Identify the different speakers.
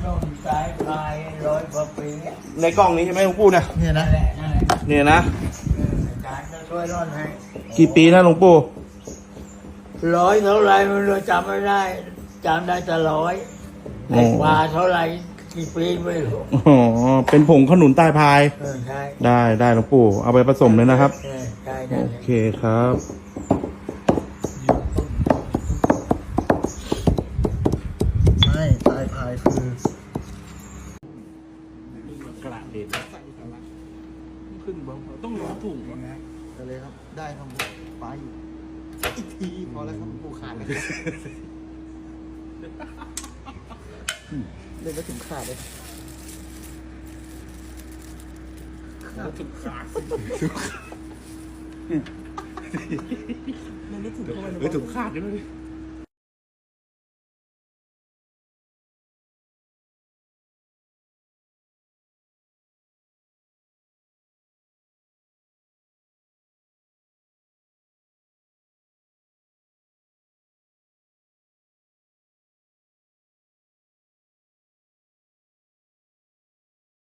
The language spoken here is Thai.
Speaker 1: ต้นสายพาย100 กว่าปี
Speaker 2: ในกล้องนี้ใช่ไหมหลวงปู่เนี่ย
Speaker 1: เนี่ยนะนั่นแหละ
Speaker 2: เนี่ยนะ
Speaker 1: อาจารย์จะช่วยร่อนให้
Speaker 2: กี่ปีนะหลวงปู่
Speaker 1: 100 เท่าไรไม่รู้จำไม่ได้จำได้แต่100แต่กว่าเท่าไรกี่ปีไม่รู้
Speaker 2: อ๋อเป็นผงขนุนใต้พาย
Speaker 1: ใช่
Speaker 2: ได้หลวงปู่เอาไปผสมเลยนะครับ
Speaker 1: ใช่
Speaker 2: โอเคครับ
Speaker 1: ไม่สายพายคือก
Speaker 2: ระเด็นขึ้นบ้างต้องร้อนถุง
Speaker 1: อะไรครับ ได้ครับไปอีกทีพอแล้วครับปูขาดเลยเล่นแล้วถึงขาดเลย
Speaker 2: ถุงขาดถุงขาดใช่ไหม